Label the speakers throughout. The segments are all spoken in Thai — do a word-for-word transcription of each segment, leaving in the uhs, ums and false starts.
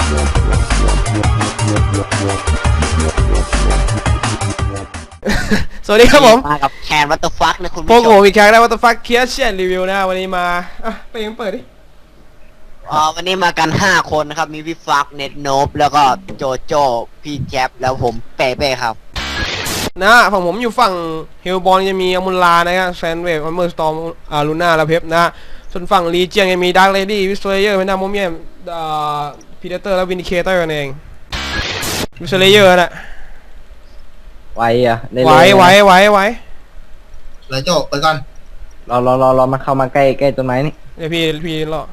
Speaker 1: สวัสดีครับผม
Speaker 2: มากับแคนวัตเตอร์ฟักนะคุณ
Speaker 1: พว
Speaker 2: ผู้
Speaker 1: ก
Speaker 2: ช
Speaker 1: ผม
Speaker 2: ม
Speaker 1: อีกครั้งนะวัตถุฟักเคียร์เชียนรีวิวนะวันนี้มาอ่ะไปยังเปิดดิ
Speaker 2: อ๋อวันนี้มากันห้าคนนะครับมีพี่ฟักเน็ตโนบแล้วก็โจโจพี่แจ๊บแล้วผมเป้เป้ครับ
Speaker 1: นะฝั่งผมอยู่ฝั่งเฮลบอลจะมีอมุลลานะครับแซนเวฟอัมเมอร์สตอมอ่าลูน่าและเพปนะส่วนฝั่งลีเจียนจะมีดาร์คเลดี้วิสเทอร์เยอร์เพนดาโมเมียมอ่าพีเดเตอร์และวินดิเคเตอร์นั่นเองวิสเทอร์เยอร์น่ะ
Speaker 3: ไว้อะ
Speaker 1: ไหวไหวไหวไหว
Speaker 4: เลยโจไปก่อน
Speaker 3: รอรอรอรอมาเข้ามาใกล้ใกล้ต้นไม้นี่
Speaker 1: เดี๋ยวพี่พี่รอ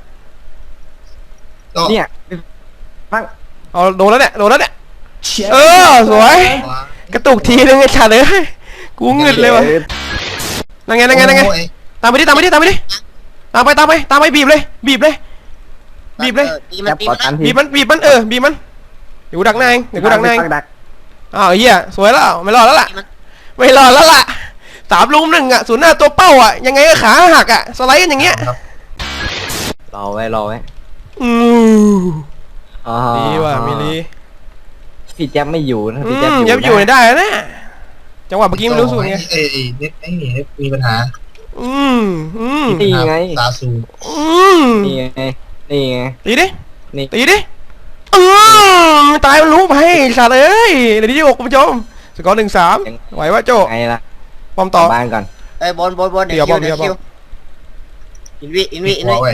Speaker 3: เนี่ยฟัง
Speaker 1: เอาโดนแล้วเนี่ยโดนแล้วเนี่ยเออสวยกระตุกทีนึงไอ้ชาเลยกูเงึดเลยวะนั่งไงนั่งไงนั่งไงตามไปดิตามไปดิตามไปดิตามไปตามไปตามไปบีบเลยบีบเลยบีบเลยบีบมันบีบมันบีบมันเออบีบมันเดี๋ยวกูดักหน้าเองเดี๋ยวกูดักหน้าเองอ้าวเฮียสวยแล้วไม่รอดแล้วล่ะไม่รอดแล้วล่ะสามลุมหนึ่งอ่ะศูนย์หน้าตัวเป้าอ่ะยังไงก็ขาหักอ่ะสไลด์กันอย่างเงี้ย
Speaker 3: รอไว้รอไว้
Speaker 1: อือดีว่ะมิลี
Speaker 3: พี่แจ๊บไม่อยู่นะพี่
Speaker 1: แจ๊บอยู่ได้นะจังหวะเมื่อกี้ไม่รู้สูตรไง
Speaker 4: เอ้ยเน็ตไอ้เน็ตมีปัญหา
Speaker 1: อืมอืม
Speaker 3: นี่ไง
Speaker 4: ตาซู
Speaker 1: อืม
Speaker 3: นี่ไงนี่ไง
Speaker 1: ตีดิตีดิอืมตายมันรู้ไปสัตว์เอ้ยเดี๋ยวที่หกคุณผู้ชมสกอร์หนึ่งสามไหววะโจ
Speaker 3: ไงล่ะ
Speaker 1: ปอมต่อ
Speaker 3: บ้านก่อน
Speaker 2: เอ้ยบอลบอลบอลเดี๋ยวเดี๋ยวคิวอินวิอินวิอินวิ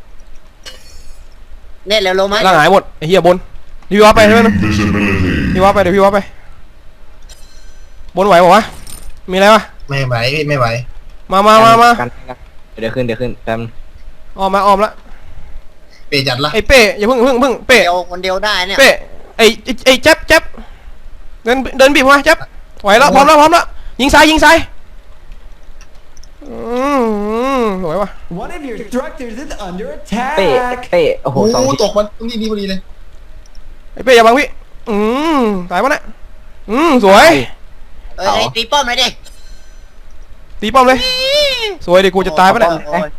Speaker 2: เน็ตแล้วลงไหม
Speaker 1: ล่างหายหมดไอ้เหี้ยบนพี่ว่าไปใช่ไหมพี่ว่าไปเดี๋ยวพี่ว่าไปบนไหวบอกว่ามีอะไรวะ
Speaker 4: ไม่ไหวไม่ไหว
Speaker 1: มามามามา
Speaker 3: เดี๋ยวขึ้นเดี๋ยวขึ้นแป๊บ
Speaker 1: ออมมาออมละ
Speaker 4: เป้จัดละ
Speaker 1: ไอ้เป้อย่าเพิ่งเพิ่งเพิ่งเป้
Speaker 2: เดียวคนเดียวได้เนี่ย
Speaker 1: เป้ไอ้ไอ้แจ๊บแจ๊บเดินเดินบีบมาแจ๊บไหวแล้วพร้อมแล้วพร้อมแล้วยิงซ้ายยิงซ้ายอืมสวยว่ะ
Speaker 3: เป้เป้โอ้โหสอง
Speaker 4: ตกมันนี่นี่พอดีเลย
Speaker 1: ไอ้เป้อย่าบังพี่อืมตายปะเนี่ยอืมสวย
Speaker 2: เอ้ยตีป้อมเลยดิ
Speaker 1: ตีป้อมเลยสวยดิกูจะตายปะเนี่ย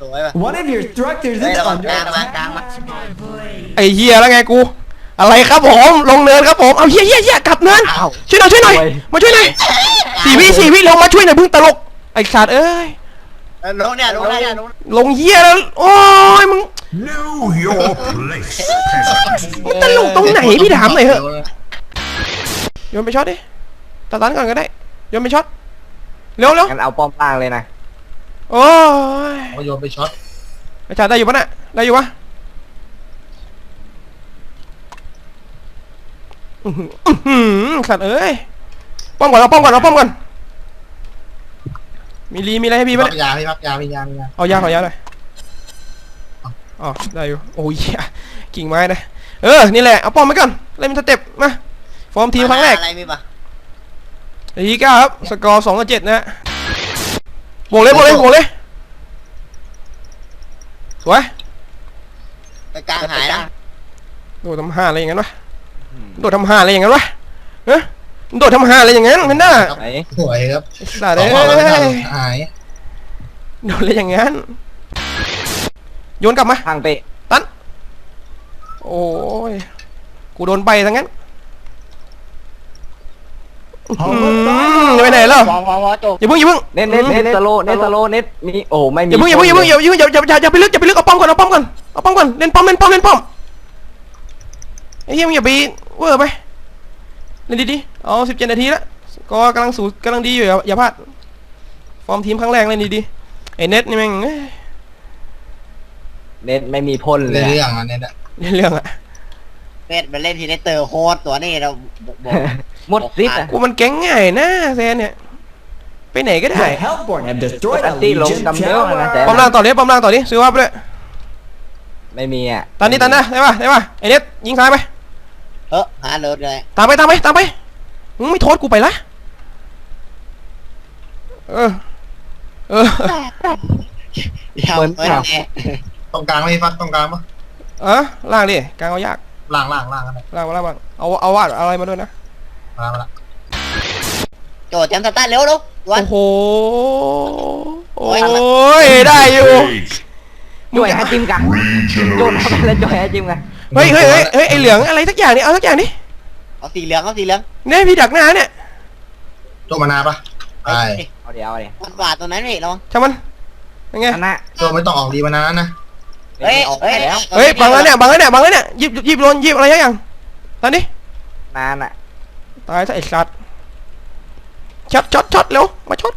Speaker 1: ไอ้เฮียแล้วไงกูอะไรครับผมลงเนินครับผมเอาเฮียเฮียเฮียกลับเนินช่วยหน่อยช่วยหน่อยมาช่วยหน่อยสี่วิสี่วิลงมาช่วยหน่อยพึ่งตลกไอ้สัตว์เอ้ย
Speaker 2: ลงเนี่ยลงเนี่ยลง
Speaker 1: ลงเฮียแล้วโอ้ยมึงมึงตลกตรงไหนพี่ถามหน่อยเหอะโยนไปช็อตดิตัดตันก่อนก็ได้โยนไปช็อตเร็วเร็ว
Speaker 3: งั้นเอาป้อมล่างเลยนะ
Speaker 1: โอ้ย
Speaker 4: โยนไปช็อต
Speaker 1: ไอ้ชาได้อยู่ปะน่ะได้อยู่ปะสัตว์เอ้ยป้อมก่อนเอาป้อมก่อนเอาป้อมก่อนมีรีมีอะไรให้พี่ปะเนี่ย
Speaker 4: ยาพี่พักยาพี่ยาพี่ยา
Speaker 1: เอายาขอยาเลยอ๋อได้อยู่โอ้ยกิ่งไม้นะเออนี่แหละเอาป้อมไปก่อนเล่นสเต็ปมาฟอร์มทีมครั้งแรก
Speaker 2: อะไรมีปะ
Speaker 1: ทีเก้าครับสกอร์สองต่อเจ็ดนะบวกเลยบวกเลยบวกเลยสวย
Speaker 2: ไปกลางหายนะ
Speaker 1: โดดทำห้าอะไรอย่างนั้นวะโดดทำห้าอะไรอย่างนั้นวะเฮ้ยโดดทำห้าอะไรอย่างนั้นเพนด้า
Speaker 4: สวยครับ
Speaker 1: สาดเลย
Speaker 4: หาย
Speaker 1: โดดอะไรอย่างนั้นโยนกลับมา
Speaker 3: ทางไป
Speaker 1: ตันโอ้ยกูโดนไปทั้งนั้นไปไหนแล้วอย่าเพิ่งอย่าเพิ่ง
Speaker 3: เน็ตเน็ตเน็ตสโลเน็ตสโลเน็ตมีโอ้ไม่มี
Speaker 1: อย่าเพิ่งอย่าเพิ่งอย่าเพิ่งอย่าอย่าอย่าอย่าไปลึกอย่าไปลึกเอาป้อมก่อนเอาป้อมก่อนเอาป้อมก่อนเล่นป้อมเล่นป้อมเล่นป้อมไอ้เหี้ยมึงอย่าไปเวอร์ไปเล่นดีๆเอาสิบเจ็ดนาทีแล้วก็กำลังสูกำลังดีอยู่อย่าพลาดฟอร์มทีมครั้งแรกเล่นดีๆไอ้เน็ตนี่แม่ง
Speaker 3: เน็ตไม่มีพ่นเลย
Speaker 4: เรื่องอ่ะเน็ตอะ
Speaker 1: เรื่องอะ
Speaker 2: เน็ตมาเล่นทีเน็ตเตอร์โฮสตัวนี้เรา
Speaker 3: หมดซิป
Speaker 1: กูมันแก๊งง่ายนะแซนเนี่ยไปไหนก็ได้
Speaker 3: อันตี้ลงกำเนิดนะแต่
Speaker 1: ปอมล่างต่อดิปอมล่างต่อดิซื้อว่าไปเลย
Speaker 3: ไม่มีอ่ะ
Speaker 1: ตอนนี้ตันนะได้ป่ะได้ป่ะไอเน็ตยิงซ้ายไป
Speaker 2: เออหาเลิศเลย
Speaker 1: ตามไปตามไปตามไปมึงไม่โทษกูไปละเออเออ
Speaker 3: เหมือน
Speaker 4: ตรงกลางไม่ฟักตรงกลางปะ
Speaker 1: เออล่างดิกลางเอายาก
Speaker 4: ล่างล่างล่างอะไร
Speaker 1: ล่างมาล่างบ้างเอาเอาวาดอะไรมาด้วยนะ
Speaker 4: มาละ
Speaker 2: โจทย์จำสตาร์ทเร็วลูก
Speaker 1: โอ้โหโอ้ยได้อยู่
Speaker 3: จ่วยฮะจิมกันโจทย์ทำอะไรจ่วยฮะจิมกัน
Speaker 1: เฮ้ยเฮ้ยเฮ้ยเฮ้ยไอเหลืองอะไรสักอย่างนี่เอาสักอย่างนี่
Speaker 2: เอาสีเหลืองเอาสีเหลือง
Speaker 1: เนี่ยพี่ดักหน้าเนี่ย
Speaker 4: โจมานาปะไป
Speaker 3: เอาเดี๋ยวเอาเดี๋ยว
Speaker 2: มันบาดตรงนั้นนี่ระวัง
Speaker 1: ช่างมันยังไง
Speaker 3: อันน่ะ
Speaker 4: โจไม่ต้องออกดีมานานะ
Speaker 2: เฮ้ย
Speaker 3: ออก
Speaker 2: เฮ้ย
Speaker 3: แล้ว
Speaker 1: เฮ้ยบังแล้วเนี่ยบังแล้วเนี่ยบังแล้วเนี่ยหยิบหยิบโดนหยิบอะไรยังตอนนี้
Speaker 3: นานอ่ะ
Speaker 1: ตายซะไอ้สัตว์ช็อตช็อตช็อตเร็วมาช็อต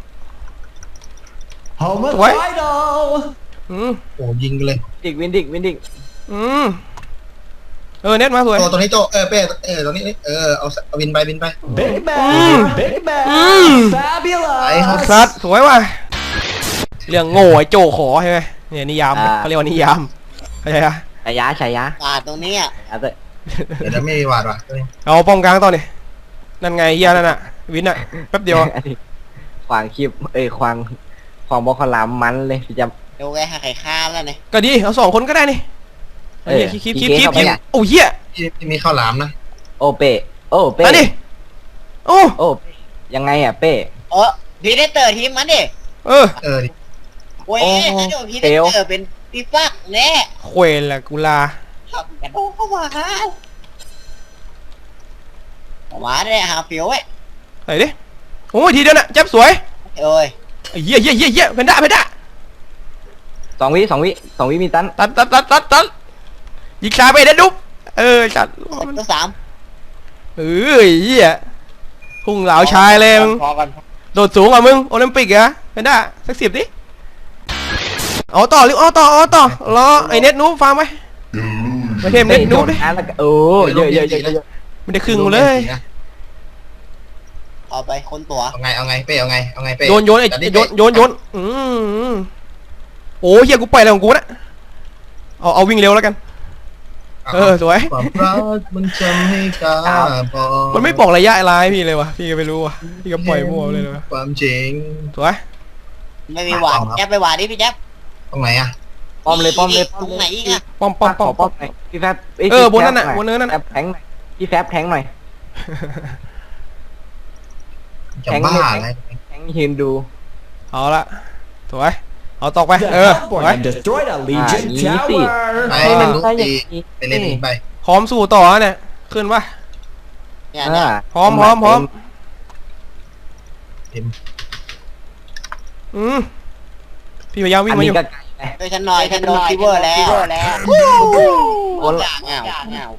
Speaker 1: ไว้อืม
Speaker 4: โอ้ยิงกันเลย
Speaker 3: ดิกวินดิกวินดิก
Speaker 1: อืมเออเน็ตมาสวย
Speaker 4: โจตัวนี้โจเออเป้เออตัวนี้เออเอาเอาบินไปบินไป
Speaker 1: อืมอืม
Speaker 4: ไอ้ครับ
Speaker 1: สัตว์สวยว่ะเรื่องโง่ไอ้โจขอใช่ไหมเนี่ยนิยามเขาเรียกว่านิยามเข้าใจปะ
Speaker 3: ฉายาฉายา
Speaker 2: บาดตรงนี้อ่ะ
Speaker 3: ฉายาเตะ
Speaker 4: เดี๋ยวจะไม่มีหวาดว่ะตัวนี้
Speaker 1: เอาป้อมกลางต่อนี่นั่นไงเฮียนั่นน่ะวินน่ะแป๊บเดียว
Speaker 3: ขวางคลิปเอ้ยขวางขวางบอลคอลามมันเลยพี่จ
Speaker 2: เดี๋ยวแกหาไข่ข้าวแล้วเนี่ย
Speaker 1: ก็ดีเอาสองคนก็ได้นี่
Speaker 3: เออ
Speaker 1: คลิปคลิปคลิป
Speaker 3: พี่
Speaker 1: คลิป
Speaker 3: เก๋
Speaker 1: คลิป
Speaker 3: เข้าไปอ่ะ
Speaker 1: โอ้เฮีย
Speaker 4: ที่ที่มีข้าวหลามนะ
Speaker 3: ำโอเป้โอเป้
Speaker 1: อันนี้โอ้
Speaker 3: โอ้ยังไงอ่ะเป้
Speaker 2: เออพีเดเตอร์ทีมมันดิ
Speaker 1: เออ
Speaker 4: เออดิ
Speaker 2: โอ้ย
Speaker 3: โอ้
Speaker 2: เดี๋ยวพีเดเตอร์เป็นพี่ฟักแน่
Speaker 1: เควนละกุลา
Speaker 2: ขับกระโดดเข้ามาฮะออกมาได้หาเฟียวไว้
Speaker 1: ไหนดิโอ้ยทีเดียวน่ะจับสวย
Speaker 2: เอ้ย
Speaker 1: ไอ้เหี้ยเหี้ยเหี้ยเหี้ยเพนด้าเพนด้า
Speaker 3: สองวิสองวิสองวิมีตัน
Speaker 1: ตัดตัดตัดตัดตัดยิงชาไปเด็ดดุ๊บเออจัด
Speaker 2: ตัวสาม
Speaker 1: เออเหี้ยพุ่งเหลาชายเลยมึง
Speaker 2: พอกัน
Speaker 1: โดดสูงกว่ามึงโอลิมปิกเหรอเพนด้าสักสิบดิเอาต่อหรือเอาต่อเอาต่อรอไอ้เน็ตนูบฟังไหมไม่เทมเน็ตนูบดิ
Speaker 3: โดแล้วก็โอ้เยอะเยอะเยอะเยอะ
Speaker 1: ไม่ได้ครึ่งกูเลย
Speaker 2: เอาไปคนตัว
Speaker 4: เอาไงเอาไงเป้เอาไงเอาไงเป้
Speaker 1: โยนโยนไอ้
Speaker 4: จัดดิ
Speaker 1: โยนโยนโยนอืมโอ้เหี้ยกูไปอะไรของกูนะเอาเอาวิ่งเร็วแล้วกันเออสวย
Speaker 4: ความรักมันจำให้กาบอก
Speaker 1: มันไม่บอกระยะอะไรพี่เลยวะพี่ก็ไม่รู้วะพี่ก็ปล่อยมั่วเลยเลยวะ
Speaker 4: ความจริง
Speaker 1: สวย
Speaker 2: ไม่มีหวานแจ๊บไปหวานดิพี่แจ๊บ
Speaker 4: ตรงไหนอ่ะ
Speaker 3: ป้อมเลยป้อมเลย
Speaker 2: ตรงไหนอีกอะ
Speaker 1: ป้อมป้อมป้อม
Speaker 3: ข
Speaker 1: ป้
Speaker 3: ป้
Speaker 1: อ
Speaker 3: อ
Speaker 1: ม
Speaker 3: มหน่อยพี่แฟบ
Speaker 1: เออบนนั่นน่ะบนเนินนั่นน่ะ
Speaker 3: แฟบแทงหน่อยพี่แฟบแทงหน่อย
Speaker 4: จะ
Speaker 3: แข็ง
Speaker 4: บ้า
Speaker 3: เลย
Speaker 4: อะไร
Speaker 3: แทงยืนดู
Speaker 1: เอาละสวยเอาตอกไปเออสวย
Speaker 5: destroyed a
Speaker 3: อ่า
Speaker 5: Legion
Speaker 3: อย่างนี้สิ
Speaker 5: tower.
Speaker 4: ไป
Speaker 3: ให้มัน
Speaker 4: ลุก
Speaker 3: ได้อย่า
Speaker 4: ตี
Speaker 3: งนี้
Speaker 4: ไปเล่นอีกไป
Speaker 1: พร้อมสู้ต่อเนี่ยขึ้นปะ
Speaker 2: เนี่ยเนี่ย
Speaker 1: พร้อมพร้อมพร้อมอืมพี่พยายามวิ่
Speaker 3: อั
Speaker 1: ง
Speaker 3: น
Speaker 1: มาอ
Speaker 3: นี้
Speaker 1: ยู่
Speaker 3: ก็ไกลไป
Speaker 2: ช่วยฉันหน่อยฉันโดนฟีเวอร์แล้วแล้ว
Speaker 3: โอ้ย
Speaker 2: เงาเงา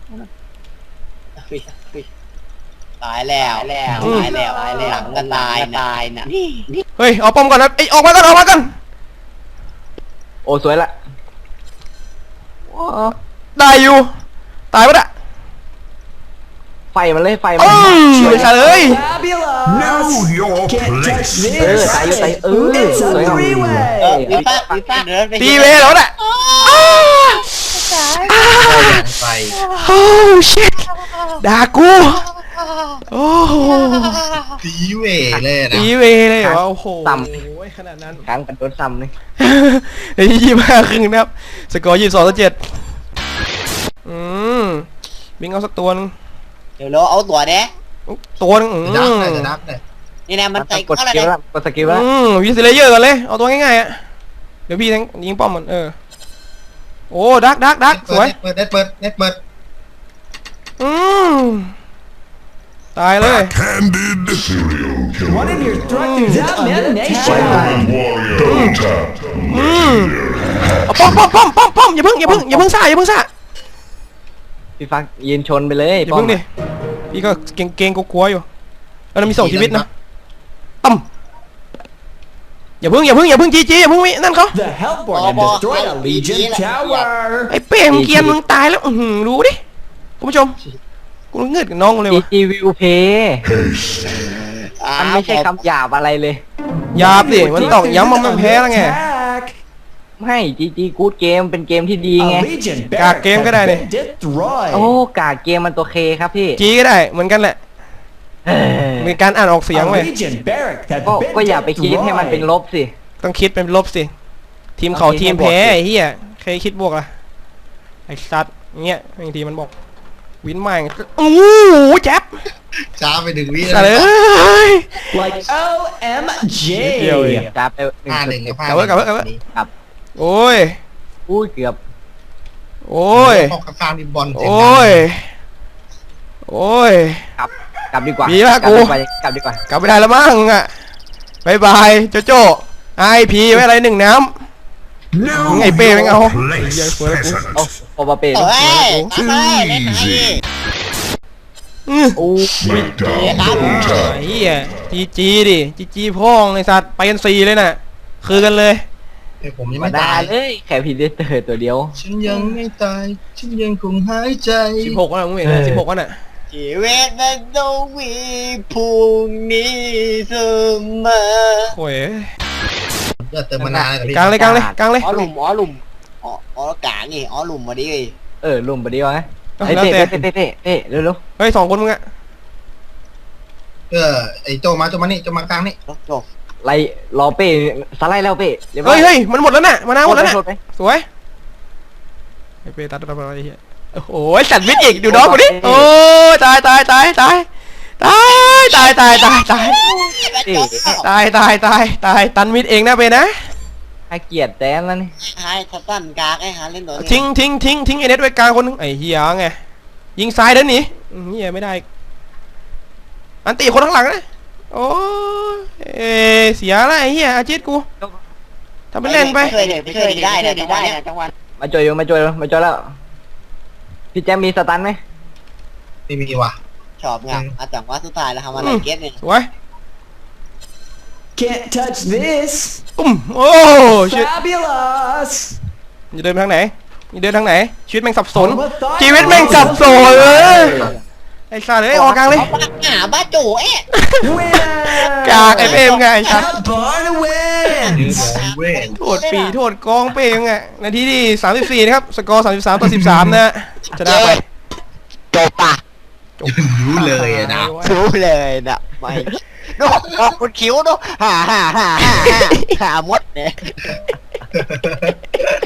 Speaker 2: ตายแล้วแล้วตายแล้วตายแล้วก็ตายตายนะนี่
Speaker 1: เฮ้ยเอาป้อมก่อนนะไอยออกมาก่อนออกมาก่อน
Speaker 3: โอ้สวยละ
Speaker 1: ได้อยู่ตายปะเนี่ย
Speaker 3: ไฟมันเลยไฟมั
Speaker 1: อื
Speaker 3: น
Speaker 1: มไม่ใช่เลย
Speaker 5: Fabulous.
Speaker 6: your
Speaker 5: Can't touch
Speaker 6: place.
Speaker 3: เออ
Speaker 5: this.
Speaker 3: ตายอยู่ตายเออ
Speaker 5: It's
Speaker 3: สวย
Speaker 5: a
Speaker 3: งาม
Speaker 2: เออ
Speaker 5: three-way.
Speaker 2: วีฟ้าวีฟ้าเดินไป
Speaker 1: ตีเวแล้วน่ะ
Speaker 4: ไป
Speaker 1: โอ้ชิตด่ากูโอ้โห
Speaker 4: ตีเวเลยนะ
Speaker 1: ตีเวเลยเหรอโอ้โหขนาดนั้น
Speaker 3: ครั้งกันโดนซ้ำเลย
Speaker 1: ในที่ยี่ห้าครึ่งนะครับสกอร์ยี่สิบสองต่อเจ็ดอืมบิงเอาสักตัวนึง
Speaker 2: เดี๋ยวเราเอาตัวเด้
Speaker 1: ตัวนึงอืม
Speaker 4: จะดับเลยจะดับเลย
Speaker 2: นี่นะมันใส่
Speaker 3: ก
Speaker 2: ก็
Speaker 3: ด
Speaker 2: อะไร
Speaker 3: สกิลแล้วกดสกิลแล้ว
Speaker 1: อืมวิสเลเยอร์กันเลยเอาตัวง่ายๆอ่ะเดี๋ยวพี่แทงยิงป้อมมันเออโอ้ดักดักดักสวย
Speaker 4: เปิดเน็ตเปิดเน็ตเปิด
Speaker 1: อืมตายเลย
Speaker 6: Candid serial killer.
Speaker 5: One of your structures is under attack.
Speaker 6: Warrior double tap.
Speaker 1: อืมเอาป้อมป้อมป้อมป้อมป้อมอย่าเพิ่งอย่าเพิ่งอย่าเพิ่งซ่าอย่าเพิ่งซ่า
Speaker 3: พี่ฟักยืนชนไปเลย
Speaker 1: อย่าเพิ่งดิพี่ก็เก่งเก่งกลัวๆอยู่แล้วเรามีสองชีวิตนะตั้มอย่าเพิ่งอย่าเพิ่งอย่าเพิ่งจีจีอย่าเพิ่งวินั่นเขา
Speaker 5: The Hellborn have destroyed a Legion tower.
Speaker 1: ไอ้เป้มงเกียนมึงตายแล้วอือหือรู้ดิคุณผู้ชมกูเงือดกับน้องเลยวะ
Speaker 3: จีวิวเพย์
Speaker 6: Haste.
Speaker 3: มันไม่ใช่คำหยาบอะไรเลย
Speaker 1: หยาบดิมันตอกย้ำว่ามันแพ้แล้วไง
Speaker 5: Attack.
Speaker 3: ไม่จีจีกูดเกมเป็นเกมที่ดีไง
Speaker 5: A Legion
Speaker 1: Cả
Speaker 5: barrack
Speaker 1: game
Speaker 5: has
Speaker 1: cái này này.
Speaker 5: been destroyed.
Speaker 3: โอ้กาเกมมันตัวเคครับพี่
Speaker 1: จีก็ได้เหมือนกันแหละ
Speaker 3: เฮ้ย
Speaker 1: มีการอ่านออกเสียง
Speaker 5: A
Speaker 1: เว้ย
Speaker 5: Legion barrack has
Speaker 3: ก็
Speaker 5: been
Speaker 3: ก็อย่าไปคิดให้มันเป็นล
Speaker 5: destroyed.
Speaker 3: บสิ
Speaker 1: ต้องคิดเป็นลบสิทีมเขา
Speaker 3: ต้องคิด
Speaker 1: ทีม
Speaker 3: ให้บวก
Speaker 1: แพ้
Speaker 3: สิ
Speaker 1: ไอ้เหี้ยใครคิดบวกล่ะไอ้สัตว์เงี้ยบางทีมันบอกวินใหม่โอ้โหแจ๊บ
Speaker 4: ช้าไปถึงวิ
Speaker 1: อะไรเอ้ย
Speaker 5: Like O M G.
Speaker 1: เดียวเอง
Speaker 3: จับไปหนึ่ง
Speaker 4: ห้าหนึ่งกับห้า
Speaker 1: กลับเว้ยกลับเว้ยกลับเว้ย
Speaker 3: ครับ
Speaker 1: โอ้ย
Speaker 3: อุ้ยเกือบ
Speaker 1: โอ้ย
Speaker 4: ออกกลางดิบอล
Speaker 1: โอ้ยโอ้ย
Speaker 3: กลับดีกว่า
Speaker 1: มีปะ
Speaker 3: กลับ
Speaker 1: กู
Speaker 3: ดีกว่ากลับดีกว่าก
Speaker 1: ลับไม่ได้แล้วมั้งอ่ะบายบายโจโจ้ไอพีไว้อะไรหนึ่งน้ำ
Speaker 6: No
Speaker 1: ไอ้เป้แม่งเอา
Speaker 6: place, peasant.
Speaker 3: โอ้โอปาเป้
Speaker 2: เอ้ยตามไปเล่นไหน
Speaker 1: อือ
Speaker 3: โอ้
Speaker 6: Smackdown,
Speaker 2: ครับ
Speaker 6: double
Speaker 1: ไอ้
Speaker 6: tap.
Speaker 1: เหี้ยจีจีดิจีจีพ่องไอ้สัตว์ไปกันสี่เลยน่ะคือกันเลย
Speaker 4: ไอ้ผมยัง
Speaker 3: มา
Speaker 4: ไม่
Speaker 3: ได้
Speaker 4: ตาย
Speaker 3: เลยแค่พีเดเตอร์ตัวเดียว
Speaker 4: ฉันยังไม่ตายฉันยังคงหายใจ
Speaker 1: สิบหกแล้วมึงเห็นไหมสิบหกแล้วน่ะ
Speaker 2: ชีวิตมันต้องมีพรุ่งนี้เสมอ
Speaker 1: โอ้ย
Speaker 4: เลือดเติมมานานกับพี่
Speaker 1: กลางเลยกลางเลยกลางเลย
Speaker 2: อ๋อหลุมอ๋อหลุมอ๋ออ๋อกลางนี่อ๋อหลุมมาดิ
Speaker 3: เออลุมไปดีวะ
Speaker 1: เอา
Speaker 3: ไอ้
Speaker 1: แล้ว
Speaker 3: เต้
Speaker 1: แต่
Speaker 3: เต้เต้เต้เต้เร็ว
Speaker 1: เฮ้ยสองคนมึงอะ
Speaker 4: เออไอ้โจมาโจมานี่โจมากลางนี่
Speaker 2: จบ
Speaker 3: ๆไล่รอเป้สไลด์แล้วเป้รีบร้อ
Speaker 1: เฮ้ยเฮ้ยมันหมดแล้วน่ะมานาหมดแล้วน่ะ
Speaker 3: โทษไป
Speaker 1: สวยไอ้เป้ตัดตัดอะไรเหี้ยโอ้โหสัตว์มิดอีกดูน้องกูดิโอ้ยตายตายตายตายตายตายตายตายตาย
Speaker 3: เต้
Speaker 1: ตายตายตายตายตันมิดเองนะเป้นะ
Speaker 3: ให้เกียรติแดนแล้วนี่
Speaker 2: ให้ทัตันกากให้หาเล่นตัวนี้
Speaker 1: ทิ้งทิ้งทิ้งทิ้งไอเน็ตไว้กลางคนนึงไอ้เหี้ยไงยิงซ้ายเดินหนีอืมเหี้ยไม่ได้อันตีคนข้างหลังนะโอ้ยเอเสียละไอ้เหี้ยอาจิตกูทำเป็นเล่นไป
Speaker 2: เคยเด็กเคยได้นะจังหวะเนี้ยจังหวะ
Speaker 3: มาจอยอยู่มาจอยมาจอยแล้วพี่แจ๊มมีสตันไหม
Speaker 4: ไม่มีว่ะ
Speaker 2: ชอบงามอ่ะจังหวะสุดท้ายแล้วทำอะไรเก็ตเนี่ย
Speaker 1: สวย
Speaker 5: Can't touch this.
Speaker 1: ตุ้มโอ้ชิต
Speaker 5: Fabulous.
Speaker 1: จะเดินไปทางไหนจะเดินทางไหนชีวิตแม่งสับสน
Speaker 5: Hold the
Speaker 1: ชีวิตแม่งสับสนเลยไอ้สัตว์เอ้ยออกกลางเลย
Speaker 2: เอาบ้าหาบ้าจู่เอ๊ะ
Speaker 5: Winner.
Speaker 1: กากไอ้เป้มไงไอ้สัตว์
Speaker 5: Barn wins.
Speaker 4: เว้ย
Speaker 1: โทษปีโทษกองเป้มไงนาทีที่สามสิบสี่นะครับสกอร์สามสิบสามต่อสิบสามนะชนะไป
Speaker 2: จบปะ
Speaker 4: รู้เลยอะนะ
Speaker 2: รู้เลยนะไม่ดูออกคุณคิ้วดูฮ่าฮ่าฮ่าฮ่าฮ่าหามดเนี่ย